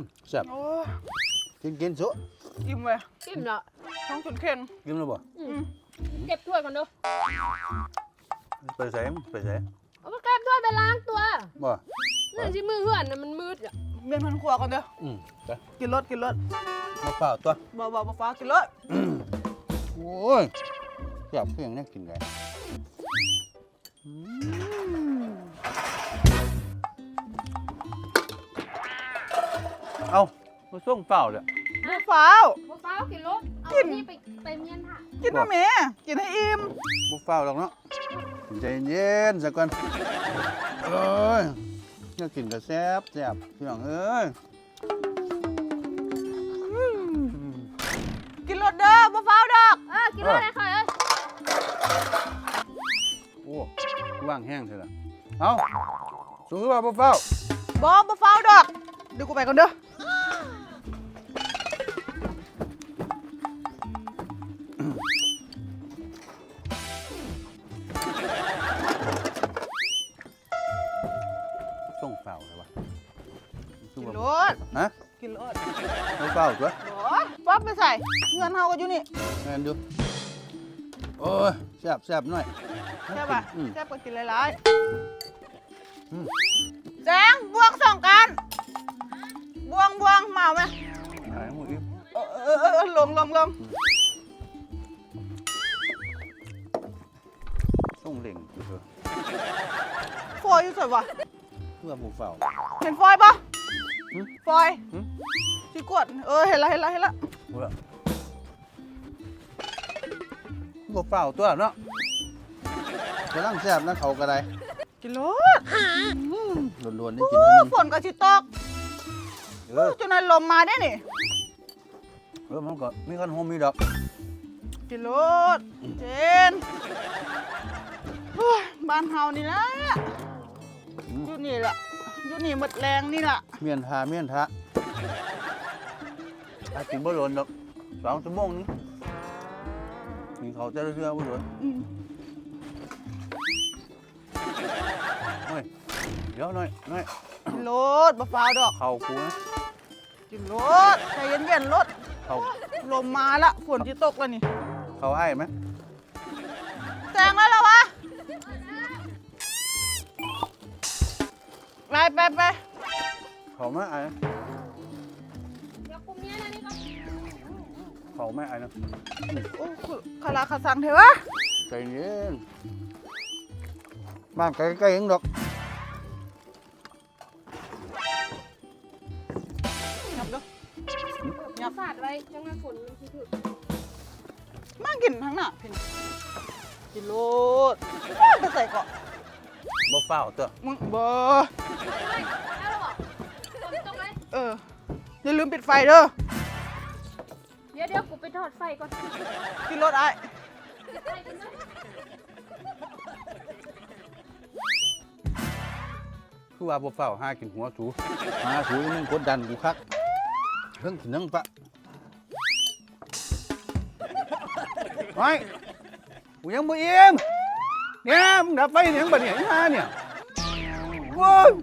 แซ่บกินสุอิ่มเลยกินเหรอท้องจนเค็มกินแล้วบ่เก็บถ้วยก่อนเด้อไปใส่เอาไปเก็บถ้วยไปล้างตัวบ่นั่นที่มือเหือนน่ะมันมืดอ่ะเมียนพันครัวก่อนเด้อไปกินรสมาเปล่าตัวบ่ฟ้ากินรสโอ้ยแซ่บเพียงนี่กินได้เอามาส่งเปล่าเลยบ่ฟ้าวบ่ฟ้ากินรถเอานี่ไปเมียนค่ะกินนะแม่กินให้อิ่มบุฟเฟ่หรอกเนาะใจเย็นสักก่อนเอ้ยจะกินกับแซ่บพี่น้องเอ้ยกินรสเด้อบ่ฟ้าวดอกกินรถได้ค่ะเอ้ยโอ้ว่างแห้งเถอะล่ะเอาสูงขึ้นมาบุฟเฟ่บ่ฟ้าวดอกเดี๋ยวกูไปก่อนเด้อส่งเปล่าเลยวะกินรสฮะกินรสส่งเปล่าตัวป๊อปไปใส่เงินเฮาก็อยู่นี่แม่นดูโอ้ยแซ่บหน่อยแซ่บป่ะ Ừ. แซ่บก็กินหลายๆแจงบวงส่งกันบวงมาไหมหายหมดอีกลงส่งเหล่งอยู่เถอะฟอยอยู่สวยวะเพื่อบุฟเฟ่เห็นฟอยปะหึฟอยหึชิกวดเห็นละบุฟเฟ่ตัวเนาะกำลังแซ่บนะเขากระไดกินรสล้วนๆได้กินให้มันฝนก็ชิตกจนนั้นลมมาได้นี่มันก็มีคันโฮมมีดอกกินรสเจนบ้านเฮานี่นะอยู่นี่แหละอยู่นี่หมดแรงนี่แหละเมียนทะอากินบ่หล่นดอก2 ชั่วโมงนึงกินเขาจะเชื่อบ่หล่นเดี๋ยวหน่อยกินรสบะฟ้าวดอกเขากูนะกินรสใจเย็นๆรสเขาลมมาละฝนจะตกแล้วนี่เขาให้ไหมแจงแล้วเหรอวะไปเขาไม่ไอ้เดี๋ยวกูเมียนะนี่ก็เขาไม่ไอ้นะโอ้คาราคาซังเถอะวะใจเย็นบ้านใกล้ๆเองดอกยับเด้ออย่าสาดไว้จังหวะฝนมันสิถึกมากินทั้งหน้าเพ่นกินรสไปใส่เกาะบ่เฝ้าตัวมึงบ่ได้แล้วเหรอฝนตกไหมอย่าลืมปิดไฟเด้อเดี๋ยวกูไปทอดไฟก่อนกินรสไอ้ไปกันนะคือว่าบ่เฝ้าหากินหัวสูหาสูยังกดดันกูคักเพิ่งกินนั่งปะไอ้กูยังบ่อิ่มเนี่ยมึงดับไฟเนี่ยมึงบ่เนี่ยอีห่าเนี่ยโว้ย